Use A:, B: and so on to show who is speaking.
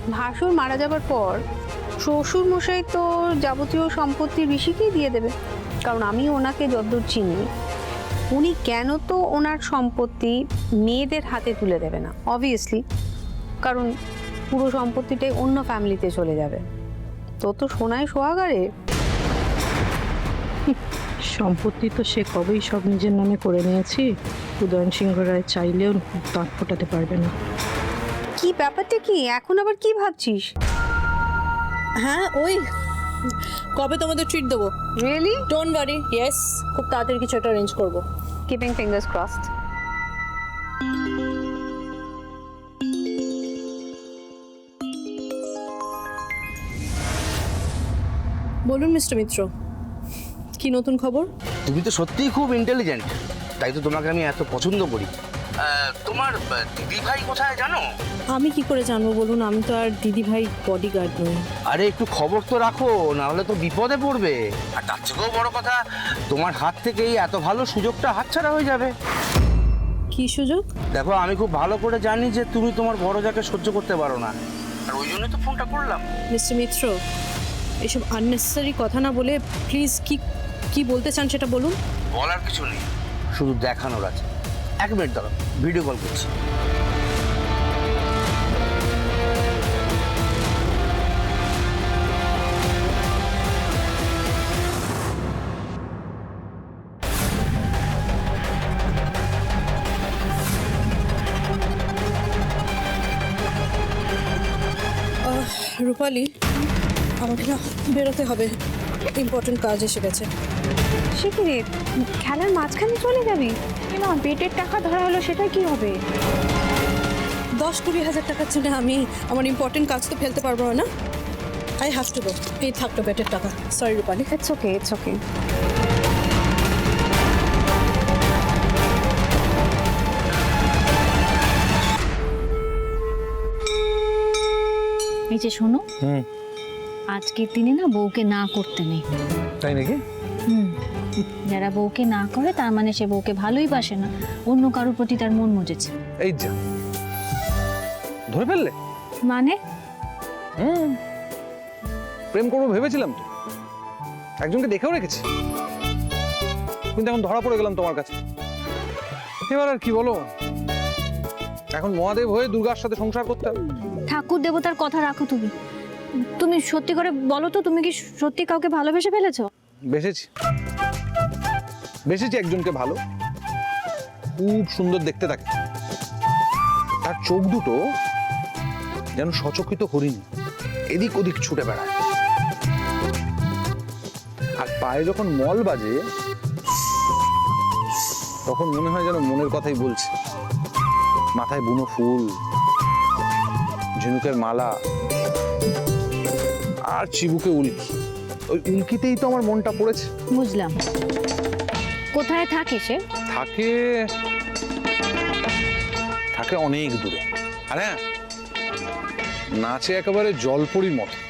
A: ভাসুর মারা যাবার পর শ্বশুর মশাই তো যাবতীয় সম্পত্তি ঋষিকেই দিয়ে দেবে, কারণ আমি ওনাকে যতদূর চিনি উনি কেন তো ওনার সম্পত্তি মেয়েদের হাতে তুলে দেবে না, অবভিয়াসলি, কারণ পুরো সম্পত্তিটাই অন্য ফ্যামিলিতে চলে যাবে। তো সোনায় সোহাগারে।
B: সম্পত্তি তো সে কবেই সব নিজের নামে করে নিয়েছি, উদয়ন সিংহ রায় চাইলেও দাঁত ফোটাতে পারবে না।
A: কি ব্যাপারটা কি এখন আবার কি ভাবছিস?
C: হ্যাঁ ওই কবে তোমাদের ট্রিট দেবো।
A: রিয়েলি?
C: ডোন্ট ওয়ারি, ইয়েস, খুব তাড়াতাড়ি কিছু একটা অ্যারেঞ্জ করবো।
A: Keeping fingers crossed.
C: বলুন মিস্টার মিত্র, কি নতুন খবর?
D: তুমি তো সত্যিই খুব ইন্টেলিজেন্ট, তাই তো তোমাকে আমি এত পছন্দ করি। তোমার দিদি ভাই কোথায় জানো?
C: আমি কি করে জানবো বলুন, আমি তো আর দিদি ভাই বডিগার্ড নই।
D: আরে একটু খবর তো রাখো, না হলে তো বিপদে পড়বে। আর তার থেকেও বড় কথা, তোমার হাত থেকেই এত ভালো সুযোগটা হাতছাড়া হয়ে যাবে।
C: কি সুযোগ?
D: দেখো, আমি খুব ভালো করে জানি যে তুমি তোমার বড় যাকে সহ্য করতে পারো না, আর ওই জন্যই তো ফোনটা করলাম।
C: মিস্টার মিত্র, এসব আননেসেসারি কথা না বলে প্লিজ কি বলতে চান সেটা বলুন।
D: বলার কিছু নেই, শুধু দেখানোর আছে। 1 মিনিট দাঁড়াও, ভিডিও কল করছি।
C: রূপালি, আমাকে না বেরোতে হবে, ইম্পর্টেন্ট কাজ এসে গেছে।
A: সে কি রে, খেলার মাঝখানে চলে যাবি? না, পেটের টাকা ধরা হলো, সেটা কি হবে?
C: 10-20 হাজার টাকার জন্য আমি আমার ইম্পর্টেন্ট কাজ তো ফেলতে পারবো না। I have to go. এই থাকতো পেটের টাকা। Sorry Rupali.
A: It's okay, it's okay.
E: এই যে শোনো, আজকের দিনে না বউকে না করতে নেই।
F: তাই নাকি?
E: যারা বউকে না করে তার মানে সে বউকে ভালোই বাসে না, অন্য কারোর প্রতি তার মন মজেছে।
F: এই যা ধরে ফেললে।
E: মানে
F: প্রেম করবো ভেবেছিলাম তো, একজনকে দেখেও রেখেছি, কিন্তু এখন ধরা পড়ে গেলাম তোমার কাছে। এবার আর কি বলো, এখন মহাদেব হয়ে দুর্গার সাথে সংসার করতে হবে।
E: ঠাকুর দেবতার কথা রাখো তুমি। তুমি সত্যি করে বলো তো, তুমি কি সত্যি কাউকে ভালোবেসে ফেলেছো?
F: বেসেছি একজনকে ভালো, খুব সুন্দর দেখতে থাকে, তার চোখ দুটো যেন সচকিত হরিণ, এদিক ওদিক ছুটে বেড়ায়, আর পায়ে যখন মল বাজে তখন মনে হয় যেন মনের কথাই বলছে। মাথায় বুনো ফুল, ঝিনুকের মালা, আর চিবুকে উল্কি। ওই উল্কিতেই তো আমার মনটা পড়েছে।
E: বুঝলাম। কোথায় থাকে সে?
F: থাকে অনেক দূরে, আর হ্যাঁ, নাচে একেবারে জলপরির মতো।